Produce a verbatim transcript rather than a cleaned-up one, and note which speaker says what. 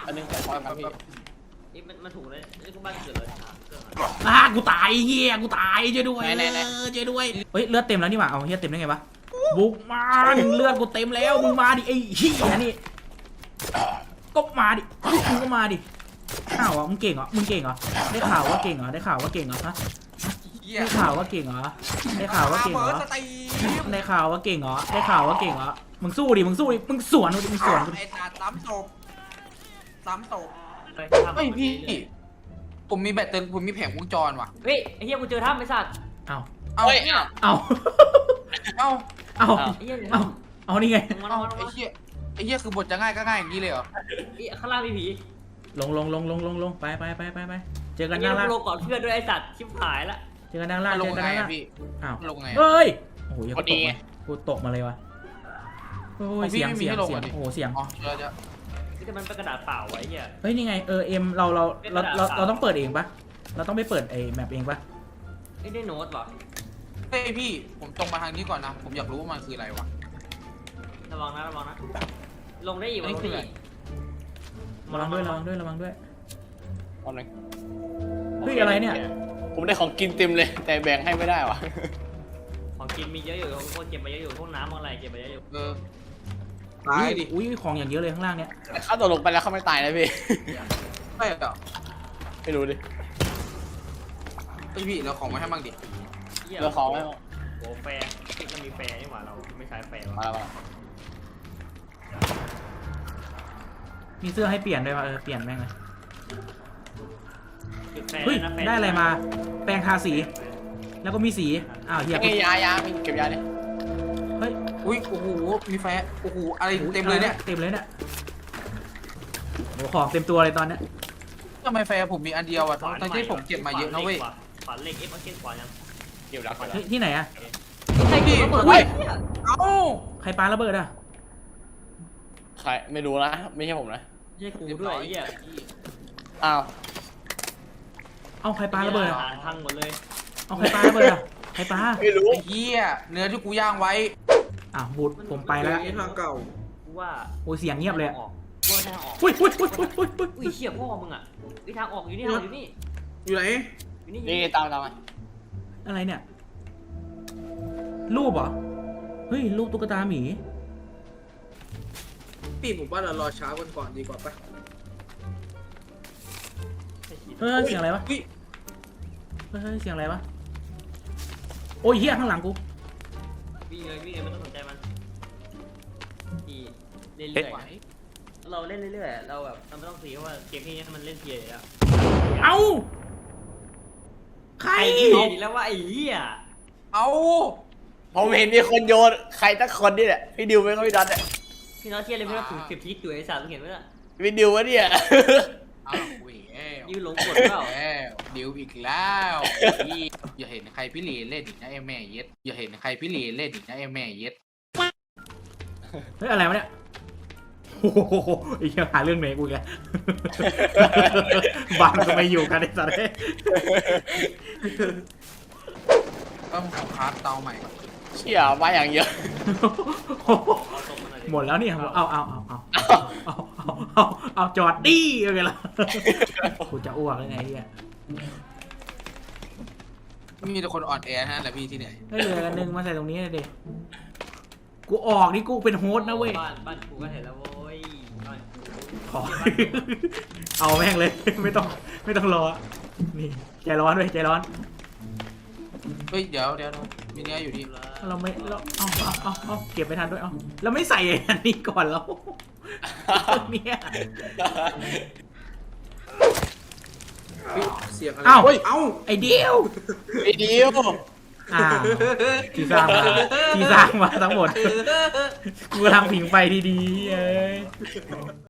Speaker 1: อันนึงขอความครับพี่
Speaker 2: นี่มันมันถูกเลยนี่ก็บ้านเกิดเลยเครื่อง
Speaker 3: อ่ะกูตายเฮียกูตายช่วยด้วยช่วยด้วยเฮ้ยเลือดเต็มแล้วนี่หว่าเอาเฮียเต็มได้ไงวะบุกมันเลือดกูเต็มแล้วมึงมาดิไอ้เฮียนี่ก็มาดิมึงก็มาดิข่าวอ่ะมึงเก่งเหรอมึงเก่งเหรอได้ข่าวว่าเก่งเหรอได้ข่าวว่าเก่งเหรอฮะได้ข่าวว่าเก่งเหรอได้ข่าวว่าเก่งเหรอได้ข่าวว่าเก่งเหรอได้ข่าวว่าเก่งเหรอมึงสู้ดิมึงสู้ดิมึงสวนดิมึงสวน
Speaker 4: ไอ้ตาซ้ำศพซ้ำศพ
Speaker 2: ไป
Speaker 4: เฮ้ยพี่ผมมีแบตเตอรี่ผมมีแผงวงจรว่ะ
Speaker 2: เฮ้ยไอ้เหี้ยกูเจอถ้ำไอ้สัตว์
Speaker 3: เอา
Speaker 4: เอ้า
Speaker 1: เฮ้ย
Speaker 2: เนี่ย
Speaker 3: เอา
Speaker 4: เอ้า
Speaker 3: เอา
Speaker 2: ไอ้เหี้ย
Speaker 3: เอาเอานี่ไง
Speaker 2: มัน
Speaker 4: เอ้า
Speaker 2: มัน
Speaker 4: ไอ้เหี้ยไอ้เหี้ยคือบทจะง่ายก็ง่ายอย่างนี้เลยเหรอ
Speaker 2: ไอ้ข้างล่างมีผี
Speaker 3: ลงลงลงลงลงลงไปไปไปไปไปเจอกั
Speaker 2: ไอ้
Speaker 3: น
Speaker 2: เหี้
Speaker 3: ด้าย นล่าง
Speaker 2: กูลงก่อนเพื่อนด้วยไอ้สัตว์ชิบหายละ
Speaker 3: เจอกันด้านล่าง
Speaker 4: ล
Speaker 3: เจ
Speaker 4: ง
Speaker 3: อกัน
Speaker 4: ไง
Speaker 3: ด้านล่า
Speaker 4: อะ
Speaker 3: ง
Speaker 4: พี่
Speaker 3: อ้าว
Speaker 4: ลงไง
Speaker 3: เฮ้ยโอ้โหยังตกมากูตกมาเลยวะโอ้ยเสียงเสียงเสียงโอ้โหเสียง
Speaker 4: อ๋อเจอจะ
Speaker 2: นี่แต่มันเป็นกระดาษเปล่าไว้เหี้ย
Speaker 3: เฮ้ยนี่ไงเออเอ็มเราเราเราเราเราต้องเปิดเองปะเราต้องไปเปิดไอ้แมปเองปะ
Speaker 2: ไอ้ได้โน้ตเหรอ
Speaker 4: เฮ้ยพี่ผมตรงมาทางนี้ก่อนนะผมอยากรู้ว่ามันคืออะไรวะ
Speaker 2: ระวังนะระวังนะลงได้อีกวะลงได้อีก
Speaker 3: ระวังด้วยระวังด้วยระวังด้วย
Speaker 1: ตอนนึง
Speaker 3: เฮ้ยอะไรเนี่ย
Speaker 1: ผมได้ของกินเต็มเลย แต่แบ่งให้ไม่ได้วะ
Speaker 2: ของกินมีเยอะอยู่พวกเก็บมาเยอะอยู่พวกน้ำอะไรเก็บมาเยอะอยู่
Speaker 4: เออตายดิ
Speaker 3: อุ้ยของอย่างเยอะเลยข้างล่างเนี่ย
Speaker 1: แต่เขาตกลงไปแล้วเขาไม่ตายนะพี่
Speaker 4: ใช่เหรอ
Speaker 1: ไม่รู้ดิ
Speaker 4: ไอพี่เราของมาให้บ้างดิ
Speaker 2: เหี้ย
Speaker 1: เราของไม่
Speaker 2: โอ้แฟร์ที่มันมีแฟร์นี่หว่าเราไม่ใช้แฟร์
Speaker 1: มาแล้วมา
Speaker 3: มีเสื้อให้เปลี่ยนด้วยวะเออเปลี่ยนแม่งเลย
Speaker 2: จุดแฟร์
Speaker 3: เฮ้ย
Speaker 2: นะแฟร์
Speaker 3: ได้อะไรมาแปรงทาสี แล้วก็มีสีอ้าวเฮีย
Speaker 1: ไงยายามีเก็บยาดิ
Speaker 3: เฮ้ย
Speaker 4: อุ้ยโอ้โหมีแฟร์โอ้โหอะไรเต็มเลยเนี่ย
Speaker 3: เต็มเลยเนี่ยโอ้ของเต็มตัวเลยตอนเนี้ย
Speaker 4: ทำไมแฟร์ผมมีอันเดียวอ่ะทั้งที่ผมเก็บมาเยอะนะเว้ย
Speaker 2: ขวานเหล็กเอฟมาเก็ตขวานยัง
Speaker 1: เก็บแล้วเก็บแล้ว
Speaker 3: เฮ้ยที่ไหนอะ
Speaker 2: ใครกินระเบิด
Speaker 3: อุ้ย
Speaker 4: เอ้า
Speaker 3: ใครปาระเบิดอะ
Speaker 1: ใครไม่รู้นะไม่ใช่ผมนะ
Speaker 2: ไม่ใช่กูด้วยไอ้เหี้ย
Speaker 1: อ้าว
Speaker 3: เอาใครปาระเบิดอะ
Speaker 2: อาหารพังหมดเลย
Speaker 3: เอาใครปาระเบิดอะใครปา
Speaker 1: ไม่รู้
Speaker 4: ไอ้เหี้ยเนื้อที่กูย่างไว้
Speaker 3: อ่ะบูดผมไปแล้ว
Speaker 4: ทางเก่า
Speaker 2: กูว่า
Speaker 3: โอ้ยเสียงเงียบเลยอะ
Speaker 2: ออกว่าทางออก
Speaker 3: อุ้ยอุ้ยอุ้ยอุ้ยอุ้ยอุ้ย
Speaker 2: อุ้ยเชี่ยพ่อมึงอ่ะวิทางออกอยู่นี่ทางออกอยู่นี่
Speaker 4: อยู่ไหน
Speaker 2: อยู่นี่
Speaker 1: นี่ตามตามมา
Speaker 3: อะไรเนี่ย รูปเหรอ เฮ้ย รูปตุ๊กตาหมี
Speaker 4: พี่ผมว่าเรารอเช้ากันก่อนดีกว่าปะ
Speaker 3: เฮ้ย เสียงอะไรวะ
Speaker 4: อุ้ย
Speaker 3: เฮ้ย เสียงอะไรวะ โอ้ยเฮียข้างหลังกู
Speaker 2: วิ่งเลยวิ่งเลยไม่ต้องสนใจมันอีเรื่อยๆเราเล่นเรื่อยๆเราแบบเราไม่ต้องซีเพราะว่าเกมที่นี้มันเล่นเพียร์อยู่แล้ว
Speaker 3: เอ้า ใคร
Speaker 2: ไอ้เหี้ยดีแล้วว่าไอ้เหี้ย
Speaker 4: เอา
Speaker 1: ผมเห็นมีคนโยนใครตั้งคนนี่แหละพี่ดิวไม่ก็พี่ดันเนี่ย
Speaker 2: พี่น้องเชียร์เลยพี่ว่าถึงสิบทิศอยู่ไอ้สารเห็นไหมล่ะ
Speaker 1: พี่ดิววะเนี่ย
Speaker 4: เอาอุ้ยแอว
Speaker 2: ยืนหลงกดเปล่า
Speaker 4: แอวดิวอีกแล้วพี่อย่าเห็นใครพี่หลีเล่นอีกนะไอ้แม่เย็ดอย่าเห็นใครพี่หลีเล่นอีกนะไอ้แม่เย็ด
Speaker 3: เฮ้ย อะไรวะเนี่ย โอ้โหไอ้เหี้ยหาเรื่องไหนกูแก บ้านก็ไม่อยู่กันไอ้สัตว์
Speaker 4: ต้องขอคราฟเตาใหม่ก่อน
Speaker 1: เชี่ยมาอย่างเยอะ
Speaker 2: เอาตรงมาหน่อยดิ
Speaker 3: หมดแล้วเนี่ยเอาเอาเอาเอาเอาเอาเอาเอาจอดดิเอาไงล่ะ กูจะอ้วกเลยไงเฮีย
Speaker 4: มีแต่คนอ่อนแอฮะแหละพี่ที่ไหน
Speaker 3: ให้เหลือกันหนึ่งมาใส่ตรงนี้เลยดิกูออกนี่กูเป็นโฮสต์นะเว้ย
Speaker 2: บ้านบ้านกูก็เห็นแล้วโว้ยบ้านกู
Speaker 3: ขอ เอาแม่งเลย ไม่ต้องไม่ต้องรอ นี่ใจร้อนเว้ยใจร้อน
Speaker 4: เฮ้ยเดี๋ยวเดี๋ยวมีเนื้ออยู่ดี
Speaker 3: เราไม่เราเอาเอาเอาเอาเก็บไปทันด้วยเอาเราไม่ใส่อันนี้ก่อนแล้วเนี่ย
Speaker 4: เสียงอะไร
Speaker 3: เอ้า
Speaker 4: เอ้า
Speaker 3: ไอเดียว
Speaker 1: ไอ้ดิว
Speaker 3: อ่าที่สร้างมาที่สร้างมาทั้งหมด กูกำลังผิงไฟดีๆเอ้ย